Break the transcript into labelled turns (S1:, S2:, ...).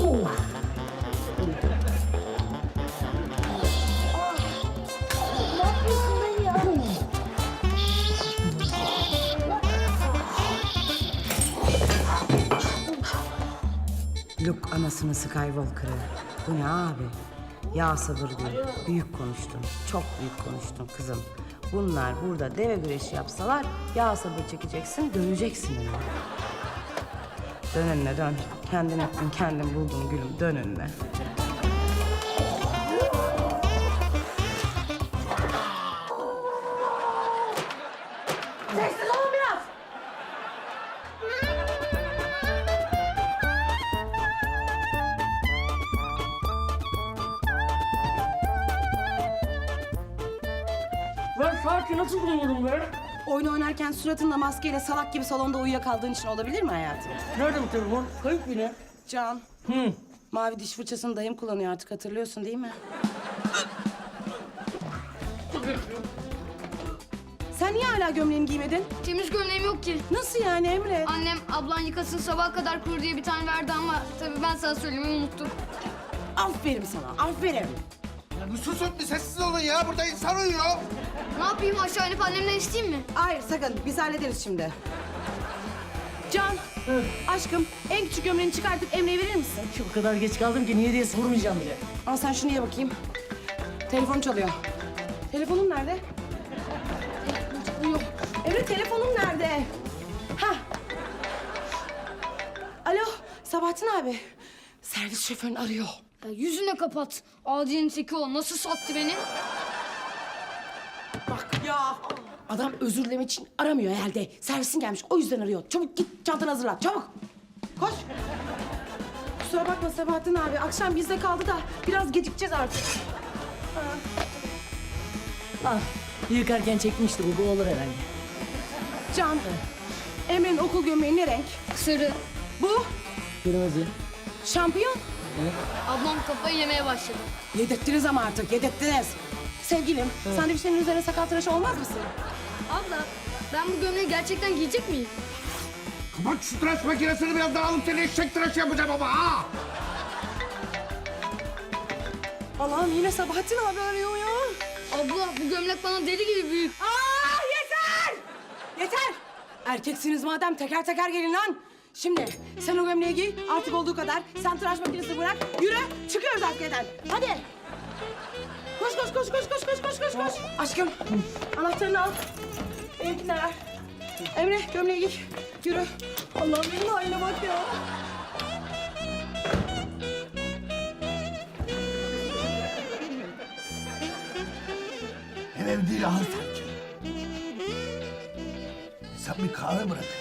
S1: Ne yapıyorsun lan ya?
S2: Luke anasını Skywalker'ı. Bu ne abi? Ya sabır diyor. Büyük konuştun. Çok büyük konuştun kızım. Bunlar burada deve güreşi yapsalar ya sabır çekeceksin, döneceksin önüne. Dön önüne dön. Kendin ettin, kendin buldun gülüm. Dön önüne. Sessiz olun biraz.
S3: Ben saati nasıl buluyorum be?
S2: Oyun oynarken suratınla maskeyle salak gibi salonda uyuyakaldığın için olabilir mi hayatım?
S3: Nerede bu telefon? Kayıp yine.
S2: Can,
S3: Hı.
S2: mavi diş fırçasını dayım kullanıyor artık, hatırlıyorsun değil mi? Sen niye hala gömleğini giymedin?
S1: Temiz gömleğim yok ki.
S2: Nasıl yani Emre?
S1: Annem ablan yıkasın sabaha kadar kurur diye bir tane verdi ama tabii ben sana söylemeyi unuttum.
S2: Aferin sana, aferin.
S4: Ya bir susun, bir sessiz olun ya. Burada insan uyuyor.
S1: Ne yapayım aşağı inip annemden isteyeyim mi?
S2: Hayır sakın, biz hallederiz şimdi. Can, aşkım en küçük gömleğini çıkartıp Emre'ye verir misin?
S3: O kadar geç kaldım ki niye diye sormayacağım bile.
S2: Al sen şunu ye bakayım. Telefon çalıyor. Telefonum nerede? Yok. Emre telefonum nerede? Ha. Alo, Sabahattin abi. Servis şoförün arıyor.
S1: Ya yüzüne kapat. Adi'nin teki o. Nasıl sattı beni?
S2: Bak ya. Adam özür dilemek için aramıyor herhalde. Servisin gelmiş, o yüzden arıyor. Çabuk git, çantanı hazırla, çabuk. Koş. Kusura bakma Sabahattin abi. Akşam bizde kaldı da biraz gecikeceğiz artık.
S3: Ah, yıkarken çekmişti bu olur herhalde.
S2: Can, Emre'nin okul gömleği ne renk?
S1: Sarı.
S2: Bu
S3: Kırmızı.
S2: şampiyon.
S1: Ablam kafayı yemeye başladı.
S2: Yedirttiniz ama artık, yedirttiniz. Sevgilim, sandviçlerin üzerine sakal tıraşı olmaz mısın?
S1: Abla ben bu gömleği gerçekten giyecek miyim?
S4: Kapat şu tıraş makinesini, biraz daha alıp seni eşek tıraşı yapacağım ama ha.
S2: Allah'ım yine Sabahattin abi arıyor ya.
S1: Abla bu gömlek bana deli gibi büyük.
S2: Aa yeter! Yeter! Erkeksiniz madem teker teker gelin lan. Şimdi sen o gömleği giy, artık olduğu kadar. Sen tıraş makinesini bırak, yürü. Çıkıyoruz artık evden. Hadi. Koş, koş, koş, koş, koş, koş, koş, koş, koş. Aşkım, anahtarını al. Benimkini de ver. Emre, gömleği giy. Yürü. Allah'ım benim haline bak ya.
S4: Ev değil, ahır sanki. İnsan bir kahve bırakır.